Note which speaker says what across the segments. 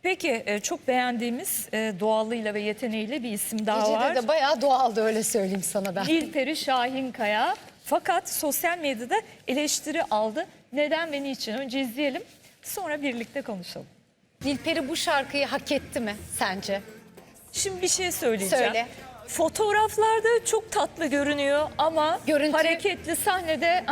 Speaker 1: Peki çok beğendiğimiz doğallığıyla ve yeteneğiyle bir isim daha var.
Speaker 2: Gece'de de bayağı doğaldı, öyle söyleyeyim sana ben.
Speaker 1: Nilperi Şahinkaya. Fakat sosyal medyada eleştiri aldı. Neden ve niçin? Önce izleyelim, sonra birlikte konuşalım.
Speaker 2: Nilperi bu şarkıyı hak etti mi sence?
Speaker 1: Şimdi bir şey söyleyeceğim.
Speaker 2: Söyle.
Speaker 1: Fotoğraflarda çok tatlı görünüyor ama
Speaker 2: Görüntü-
Speaker 1: hareketli sahnede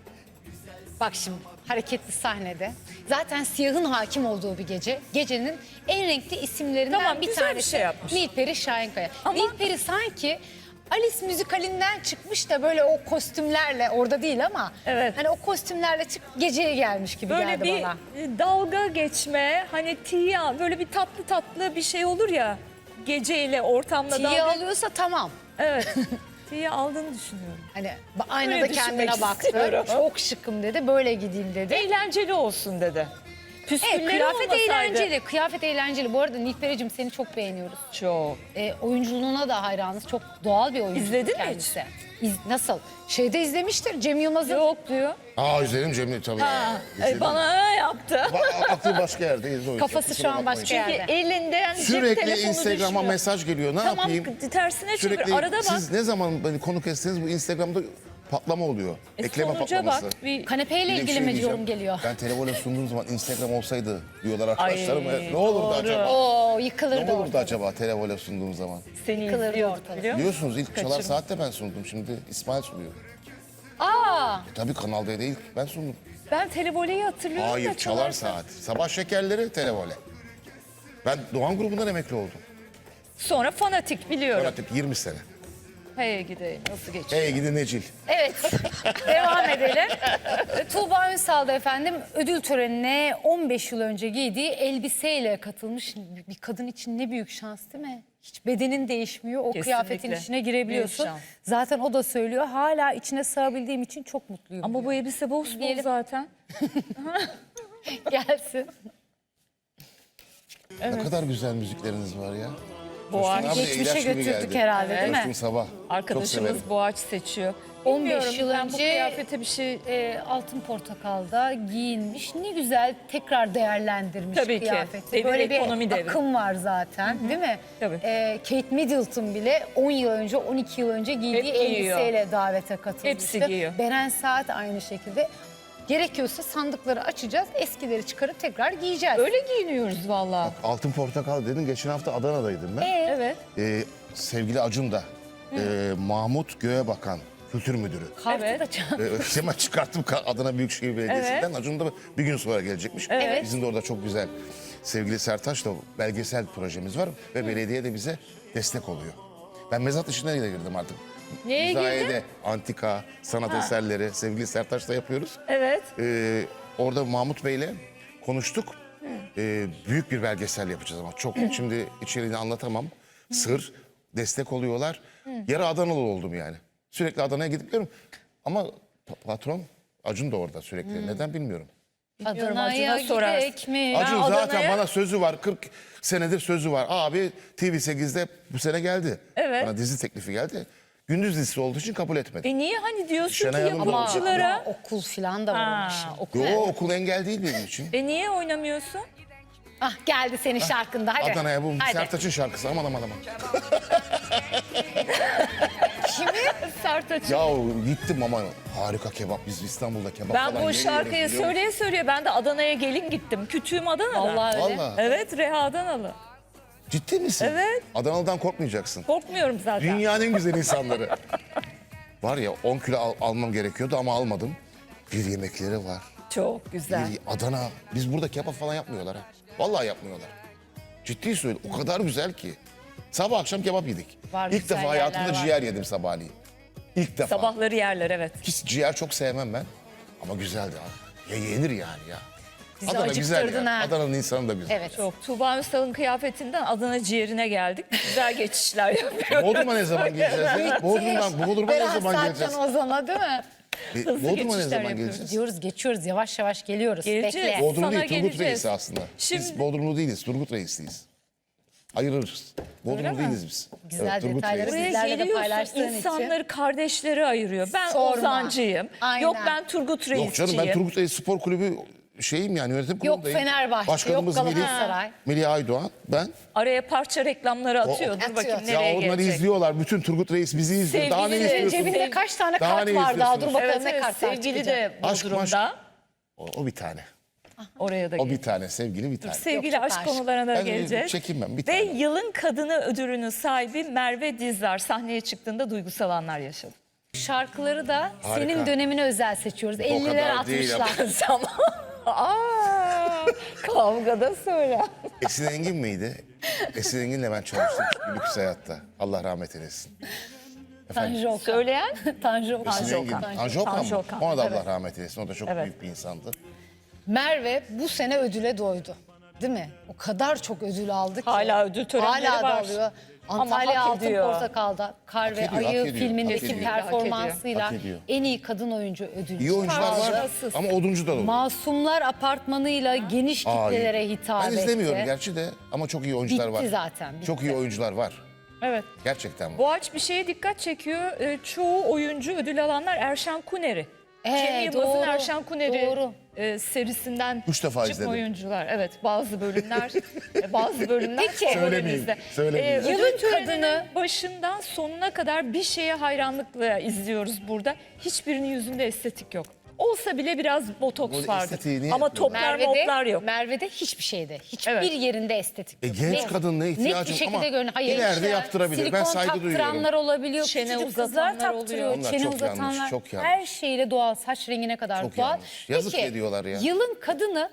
Speaker 2: Bak şimdi, hareketli sahnede. Zaten siyahın hakim olduğu bir gece. Gecenin en renkli isimlerinden
Speaker 1: Tamam,
Speaker 2: bir
Speaker 1: güzel bir
Speaker 2: tanesi.
Speaker 1: şey yapmış.
Speaker 2: Nilperi Şahinkaya.
Speaker 1: Ama-
Speaker 2: Nilperi sanki Alice müzikalinden çıkmış da böyle o kostümlerle, orada değil ama
Speaker 1: Evet.
Speaker 2: hani o kostümlerle geceye gelmiş gibi
Speaker 1: böyle
Speaker 2: geldi
Speaker 1: bir
Speaker 2: bana.
Speaker 1: dalga geçme, hani tiya, böyle bir tatlı tatlı bir şey olur ya geceyle ortamda
Speaker 2: Tiye
Speaker 1: dalga.
Speaker 2: alıyorsa tamam.
Speaker 1: Evet. Tiya aldığını düşünüyorum.
Speaker 2: Hani aynada
Speaker 1: Öyle
Speaker 2: kendine
Speaker 1: düşünmek
Speaker 2: baktı.
Speaker 1: istiyorum.
Speaker 2: Çok şıkım dedi, böyle gideyim dedi.
Speaker 1: Eğlenceli olsun dedi.
Speaker 2: Evet,
Speaker 1: Püskülleri
Speaker 2: kıyafet
Speaker 1: olmasaydı-
Speaker 2: eğlenceli. Kıyafet eğlenceli. Bu arada Nilperi'cim seni çok beğeniyoruz.
Speaker 1: Çok.
Speaker 2: Oyunculuğuna da hayranız. Çok doğal bir oyuncu.
Speaker 1: İzledin mi
Speaker 2: kendisi. Nasıl? Şeyde izlemiştir Cem Yılmaz'ın.
Speaker 1: Yok diyor.
Speaker 3: İzledim Cemil tabii. İzledim.
Speaker 1: Bana yaptı.
Speaker 3: Aklı başka yerde izle o yüzden.
Speaker 2: Kafası
Speaker 3: Kusura
Speaker 2: şu an
Speaker 3: bakmayın.
Speaker 2: başka yerde.
Speaker 1: Çünkü elinden cep
Speaker 3: Sürekli
Speaker 1: telefonu
Speaker 3: Instagram'a
Speaker 1: düşüyor.
Speaker 3: mesaj geliyor. Ne
Speaker 1: Tamam,
Speaker 3: yapayım?
Speaker 1: tersine çevir.
Speaker 3: Sürekli
Speaker 1: Arada bak.
Speaker 3: siz ne zaman beni konu kestiniz bu Instagram'da patlama oluyor. Ekleme
Speaker 1: Sonuca
Speaker 3: patlaması.
Speaker 1: bak. Bir...
Speaker 2: Kanepeyle
Speaker 3: Bir de bir
Speaker 2: ilgili
Speaker 3: şey
Speaker 2: mi
Speaker 3: diyeceğim.
Speaker 2: yorum geliyor?
Speaker 3: Ben telefona sunduğum zaman Instagram olsaydı diyorlar arkadaşlarım.
Speaker 1: Ay,
Speaker 3: Ne olurdu
Speaker 1: doğru.
Speaker 3: acaba?
Speaker 2: Oo,
Speaker 3: Ne
Speaker 2: yıkılırdı
Speaker 3: olurdu
Speaker 2: orada.
Speaker 3: acaba telefona sunduğum zaman?
Speaker 1: Seni
Speaker 2: Yıkılırdı
Speaker 1: izliyor
Speaker 2: ortalık.
Speaker 1: biliyor musun?
Speaker 3: Biliyorsunuz ilk Çalar
Speaker 1: Kaçırma.
Speaker 3: Saat'te ben sundum. Şimdi İsmail sunuyor. Tabii Kanal D'de ilk ben sundum.
Speaker 1: Ben televoleyi hatırlıyorum
Speaker 3: Hayır
Speaker 1: da
Speaker 3: Çalar Saat. Sabah şekerleri televole. Ben Doğan grubundan emekli oldum.
Speaker 1: Sonra fanatik biliyorum.
Speaker 3: Artık 20 sene.
Speaker 1: Hey gideyim nasıl geçiyor?
Speaker 3: Hey gidi Necil.
Speaker 2: Evet, devam edelim. Tuğba Ünsal da efendim ödül törenine 15 yıl önce giydiği elbiseyle katılmış. Bir kadın için ne büyük şans değil mi? Hiç bedenin değişmiyor. O
Speaker 1: Kesinlikle.
Speaker 2: kıyafetin içine girebiliyorsun.
Speaker 1: Büyük şans.
Speaker 2: Zaten o da söylüyor. Hala içine sığabildiğim için çok mutluyum.
Speaker 1: Ama bu elbise bol
Speaker 2: Diyelim.
Speaker 1: zaten.
Speaker 2: gelsin.
Speaker 3: Ne kadar güzel müzikleriniz var ya.
Speaker 1: Boğaç.
Speaker 3: Coşkun abi de
Speaker 2: Geçmişe
Speaker 3: ilaç gibi
Speaker 2: götürdük
Speaker 3: geldi.
Speaker 2: herhalde değil
Speaker 3: Coşkun
Speaker 2: mi?
Speaker 3: Sabah. Çok severim.
Speaker 1: Arkadaşımız Boğaç seçiyor.
Speaker 2: 15
Speaker 1: Bilmiyorum,
Speaker 2: yıl
Speaker 1: ben bu
Speaker 2: önce
Speaker 1: kıyafete bir şey...
Speaker 2: Altın Portakal'da giyinmiş. Ne güzel tekrar değerlendirmiş
Speaker 1: Tabii ki.
Speaker 2: kıyafeti.
Speaker 1: Devir,
Speaker 2: Böyle bir
Speaker 1: ekonomi devri.
Speaker 2: akım var zaten değil mi?
Speaker 1: Tabii.
Speaker 2: Kate Middleton bile 10 yıl önce, 12 yıl önce giydiği
Speaker 1: Hep giyiyor.
Speaker 2: elbiseyle davete katılmıştı.
Speaker 1: Hepsi giyiyor.
Speaker 2: Beren Saat aynı şekilde. Gerekiyorsa sandıkları açacağız, eskileri çıkarıp tekrar giyeceğiz.
Speaker 1: Öyle giyiniyoruz vallahi.
Speaker 3: Altın Portakal dedin. Geçen hafta Adana'daydım ben.
Speaker 1: Evet.
Speaker 3: Sevgili Acun da Mahmut Göğebakan Kültür Müdürü.
Speaker 2: Kartı
Speaker 1: Evet.
Speaker 2: da çal-
Speaker 3: Hemen çıkarttım Adana Büyükşehir Belediyesi'nden. Acun da bir gün sonra gelecekmiş.
Speaker 1: Evet.
Speaker 3: Bizim de orada çok güzel sevgili Sertaç'la belgesel projemiz var ve belediye de bize destek oluyor. Ben mezat işine de girdim artık.
Speaker 1: Neye
Speaker 3: Müzayede,
Speaker 1: girdin?
Speaker 3: antika, sanat eserleri sevgili Sertaç'la yapıyoruz.
Speaker 1: Evet.
Speaker 3: Orada Mahmut Bey'le konuştuk. Büyük bir belgesel yapacağız ama çok şimdi içeriğini anlatamam. Sır, destek oluyorlar. Yarı Adanalı oldum yani. Sürekli Adana'ya gidip geliyorum. Ama patron Acun da orada sürekli. Neden bilmiyorum.
Speaker 2: Adana'ya
Speaker 1: Acun'a sorarsın.
Speaker 2: gidek mi?
Speaker 3: Acun
Speaker 1: Adana'ya-
Speaker 3: zaten bana sözü var. 40 senedir sözü var. Abi TV8'de bu sene geldi.
Speaker 1: Evet.
Speaker 3: Bana dizi teklifi geldi. Gündüz dizisi olduğu için kabul etmedim.
Speaker 1: Niye hani diyorsun
Speaker 3: Şenay
Speaker 1: ki
Speaker 3: Hanım da
Speaker 1: yapımcılara...
Speaker 2: Ama okul falan da var onun
Speaker 1: Ha,
Speaker 2: için.
Speaker 1: okul.
Speaker 3: Yo okul engel değil benim için.
Speaker 1: Niye oynamıyorsun?
Speaker 2: Ah geldi senin şarkında hadi.
Speaker 3: Adana'ya bu
Speaker 2: Hadi.
Speaker 3: Sertaç'ın şarkısı aman aman aman.
Speaker 1: Sertaç.
Speaker 3: Ya gittim ama harika kebap. Biz İstanbul'da kebap
Speaker 1: Ben
Speaker 3: falan
Speaker 1: bu
Speaker 3: yiyoruz,
Speaker 1: şarkıyı
Speaker 3: biliyor musun?
Speaker 1: söyleye söyleye ben de Adana'ya gelin gittim. Kütüğüm Adana'da.
Speaker 2: Vallahi öyle.
Speaker 3: Vallahi.
Speaker 1: Evet, Reha Adanalı.
Speaker 3: Ciddi misin?
Speaker 1: Evet.
Speaker 3: Adanalı'dan korkmayacaksın.
Speaker 1: Korkmuyorum zaten.
Speaker 3: Dünyanın en güzel insanları. Var ya 10 kilo almam gerekiyordu ama almadım. Bir yemekleri var.
Speaker 1: Çok güzel.
Speaker 3: Bir Adana. Biz burada kebap falan yapmıyorlar ha. Vallahi yapmıyorlar. Ciddi söylüyorum. O kadar güzel ki. Sabah akşam kebap yedik.
Speaker 2: Var,
Speaker 3: İlk
Speaker 2: güzel
Speaker 3: defa hayatımda
Speaker 2: yerler var.
Speaker 3: ciğer yedim sabahleyin. İlk defa.
Speaker 1: Sabahları yerler evet.
Speaker 3: Hiç ciğer çok sevmem ben. Ama güzeldi abi. Ya yenir yani ya.
Speaker 2: Bizi
Speaker 3: Adana güzel
Speaker 2: acıktırdın
Speaker 3: ya.
Speaker 2: ha.
Speaker 3: Adana'nın insanı da güzel.
Speaker 2: Evet.
Speaker 1: Çok. Tuğba Ünstal'ın kıyafetinden Adana ciğerine geldik. Güzel geçişler yapıyoruz.
Speaker 3: Bodrum'a ne zaman geleceğiz ya? Bodrum'a ne
Speaker 2: Berat
Speaker 3: zaman
Speaker 2: Saatcan
Speaker 3: geleceğiz?
Speaker 2: Ozan'a değil mi?
Speaker 3: Bodrum'a ne
Speaker 1: geçişler
Speaker 3: zaman
Speaker 1: yapıyoruz.
Speaker 3: geleceğiz?
Speaker 2: Diyoruz geçiyoruz yavaş yavaş geliyoruz.
Speaker 1: Geleceğiz.
Speaker 2: Bekle.
Speaker 3: Bodrum
Speaker 1: Sana
Speaker 3: değil, Turgut
Speaker 1: geleceğiz.
Speaker 3: Reis'i aslında.
Speaker 1: Şimdi-
Speaker 3: Biz Bodrumlu değiliz, Turgut Reis'liyiz. Ayırırız. Bodrumlu
Speaker 1: mi?
Speaker 3: değiliz biz.
Speaker 2: Güzel
Speaker 3: Turgut
Speaker 2: detayları
Speaker 3: Reis.
Speaker 1: Buraya
Speaker 2: Bizlerle de
Speaker 1: geliyorsun
Speaker 2: paylaştığın için.
Speaker 1: insanları kardeşleri ayırıyor. Ben
Speaker 2: Sorma.
Speaker 1: Ozancıyım.
Speaker 2: Aynen.
Speaker 1: Yok ben Turgut Reisçiyim.
Speaker 3: Yok canım ben Turgut Reis Spor Kulübü şeyim yani, yönetim kurulundayım.
Speaker 2: Fenerbahçe,
Speaker 3: Başkanımız
Speaker 2: yok Galatasaray.
Speaker 3: Melih Aydoğan, ben.
Speaker 1: Araya parça reklamları atıyor. Dur
Speaker 2: atıyor.
Speaker 1: bakayım
Speaker 2: Ya
Speaker 1: nereye
Speaker 3: Ya onları
Speaker 1: gelecek.
Speaker 3: izliyorlar. Bütün Turgut Reis bizi izliyor. Daha ne
Speaker 1: Sevgili
Speaker 3: istiyorsunuz?
Speaker 2: Cebinde kaç tane
Speaker 3: Daha
Speaker 2: kart
Speaker 3: ne
Speaker 2: var daha, dur
Speaker 3: istiyorsunuz?
Speaker 2: bakalım
Speaker 1: Evet,
Speaker 2: ne
Speaker 1: evet,
Speaker 2: kartlar
Speaker 1: sevgili
Speaker 2: çıkacak.
Speaker 1: de
Speaker 3: Aşk,
Speaker 1: Bodrum'da.
Speaker 3: O bir tane.
Speaker 1: Oraya da
Speaker 3: O
Speaker 1: gel.
Speaker 3: bir tane, sevgili bir tane.
Speaker 1: Sevgili
Speaker 2: Yok,
Speaker 1: aşk
Speaker 2: aşk.
Speaker 1: konularına da
Speaker 3: Ben
Speaker 1: geleceğiz.
Speaker 3: çekinmem, bir
Speaker 1: Ve
Speaker 3: tane.
Speaker 1: yılın kadını ödülünün sahibi Merve Dizdar sahneye çıktığında duygusal anlar yaşadı.
Speaker 2: Şarkıları da
Speaker 3: Harika.
Speaker 2: senin dönemine özel seçiyoruz. 50'ler
Speaker 3: kadar değil
Speaker 2: 60'lar.
Speaker 1: Tamam. Aa, kavgada söyle.
Speaker 3: Esin Engin miydi? Esin Engin'le ben çalıştım Lüks Hayat'ta. Allah rahmet eylesin.
Speaker 2: Tanju Okan.
Speaker 1: Söyleyen
Speaker 2: Tanju Okan.
Speaker 3: Esin Engin. Tanju Okan
Speaker 1: Tanju
Speaker 3: mı?
Speaker 1: Okan,
Speaker 3: Ona da Allah
Speaker 1: evet.
Speaker 3: rahmet eylesin. O da çok
Speaker 1: Evet.
Speaker 3: büyük bir insandı.
Speaker 2: Merve bu sene ödüle doydu. Değil mi? O kadar çok ödül aldı ki.
Speaker 1: Hala ödül törenleri
Speaker 2: Hala
Speaker 1: var.
Speaker 2: da alıyor.
Speaker 1: Ama
Speaker 2: Antalya
Speaker 1: hak
Speaker 2: Altın
Speaker 1: ediyor.
Speaker 2: Portakal'da Kar ve
Speaker 3: Hak ediyor,
Speaker 2: Ayı
Speaker 3: hak ediyor,
Speaker 2: filmindeki
Speaker 3: hak ediyor.
Speaker 2: performansıyla
Speaker 3: Hak ediyor.
Speaker 2: en iyi kadın oyuncu ödülü.
Speaker 3: İyi oyuncular var
Speaker 1: Fazlasız.
Speaker 3: ama oduncu da dolu.
Speaker 2: Masumlar Apartmanı'yla geniş kitlelere hitap
Speaker 3: Ben
Speaker 2: etti.
Speaker 3: izlemiyorum gerçi de ama çok iyi oyuncular
Speaker 2: Bitti
Speaker 3: var.
Speaker 2: zaten, bitti.
Speaker 3: Çok iyi oyuncular var.
Speaker 1: Evet.
Speaker 3: Gerçekten var.
Speaker 1: Boğaç bir şeye dikkat çekiyor. Çoğu oyuncu ödül alanlar Erşan Kuneri. Cem Yılmaz'ın
Speaker 2: doğru,
Speaker 1: Erşan Kuneri
Speaker 2: doğru.
Speaker 1: Serisinden
Speaker 3: 3 defa
Speaker 1: çıkma
Speaker 3: izledim.
Speaker 1: oyuncular. Evet, bazı bölümler bazı bölümler
Speaker 2: Peki.
Speaker 3: Söylemeyeyim, söylemeyeyim.
Speaker 1: Ödül
Speaker 2: Yılın
Speaker 1: töreninin
Speaker 2: kadını-
Speaker 1: başından sonuna kadar bir şeye hayranlıkla izliyoruz burada. Hiçbirinin yüzünde estetik yok. Olsa bile biraz botoks
Speaker 3: Bu
Speaker 1: vardır.
Speaker 3: estetiği niye
Speaker 1: Ama
Speaker 3: yapıyorlar?
Speaker 1: toplar moplar yok.
Speaker 2: Merve'de hiçbir şeyde, hiçbir
Speaker 1: Evet.
Speaker 2: yerinde estetik yok.
Speaker 3: Genç kadın ne ihtiyacım
Speaker 2: Net bir şekilde
Speaker 3: ama
Speaker 2: görünüyor. Hayır,
Speaker 3: ileride
Speaker 2: işte
Speaker 3: yaptırabilir. Ben saygı
Speaker 2: Silikon taktıranlar
Speaker 3: duyuyorum.
Speaker 2: olabiliyor,
Speaker 1: Çene
Speaker 2: küçücük kızlar
Speaker 1: uzatanlar
Speaker 2: taktırıyor.
Speaker 1: oluyor.
Speaker 3: Onlar
Speaker 2: Çene
Speaker 3: çok yanlış,
Speaker 2: uzatanlar,
Speaker 3: çok yanlış.
Speaker 2: her şeyle doğal, saç rengine kadar
Speaker 3: Çok
Speaker 2: doğal.
Speaker 3: yanlış. Yazık ediyorlar ya.
Speaker 2: Yılın kadını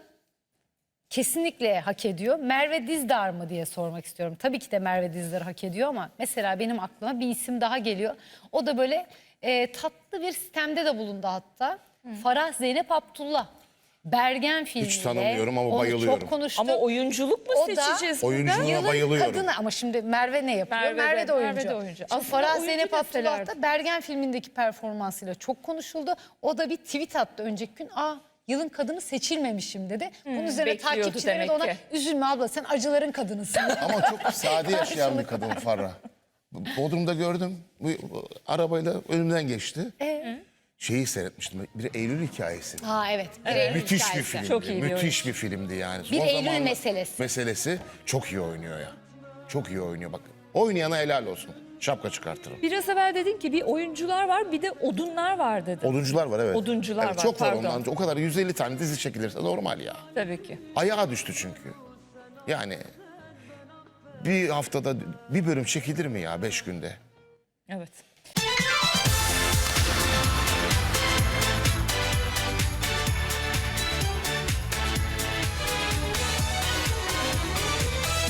Speaker 2: kesinlikle hak ediyor. Merve Dizdar mı diye sormak istiyorum. Tabii ki de Merve Dizdar hak ediyor ama mesela benim aklıma bir isim daha geliyor. O da böyle tatlı bir sistemde de bulundu hatta. Farah Zeynep Abdullah. Bergen filmiyle.
Speaker 3: tanımıyorum ama
Speaker 2: onu
Speaker 3: bayılıyorum.
Speaker 2: çok konuştuk.
Speaker 1: Ama oyunculuk mu
Speaker 2: O da
Speaker 1: seçeceğiz burada?
Speaker 3: Oyunculuğa
Speaker 2: Yılın
Speaker 3: bayılıyorum.
Speaker 2: kadını ama şimdi Merve ne yapıyor? Merve de oyuncu. Şimdi
Speaker 1: Aslında
Speaker 2: Farah
Speaker 1: oyuncu
Speaker 2: Zeynep Abdullah
Speaker 1: deselerdi.
Speaker 2: da Bergen filmindeki performansıyla çok konuşuldu. O da bir tweet attı önceki gün. Yılın kadını seçilmemişim dedi. Bunun üzerine
Speaker 1: bekliyordu
Speaker 2: takipçileri de
Speaker 1: demek
Speaker 2: ona
Speaker 1: ki.
Speaker 2: üzülme abla sen acıların kadınısın.
Speaker 3: Ama çok sade yaşayan bir kadın Farah. Bodrum'da gördüm. Bu arabayla önümden geçti. Şeyi seyretmiştim. Bir Eylül hikayesi.
Speaker 2: Evet. Bir Eylül
Speaker 3: Müthiş bir
Speaker 2: hikayesi.
Speaker 3: filmdi.
Speaker 1: Çok iyi bir
Speaker 3: Müthiş bir filmdi yani.
Speaker 2: Bir
Speaker 3: Son
Speaker 2: Eylül
Speaker 3: zamanlar-
Speaker 2: meselesi.
Speaker 3: Meselesi çok iyi oynuyor ya. Çok iyi oynuyor bak. Oynayana helal olsun. Şapka çıkartırım.
Speaker 1: Biraz evvel dedin ki bir oyuncular var bir de odunlar var dedin.
Speaker 3: Oduncular var evet.
Speaker 1: Oduncular
Speaker 3: Evet,
Speaker 1: var,
Speaker 3: çok var
Speaker 1: pardon.
Speaker 3: ondan. O kadar 150 tane dizi çekilirse normal ya.
Speaker 1: Tabii ki.
Speaker 3: Ayağa düştü çünkü. Yani bir haftada bir bölüm çekilir mi ya 5 günde?
Speaker 1: Evet.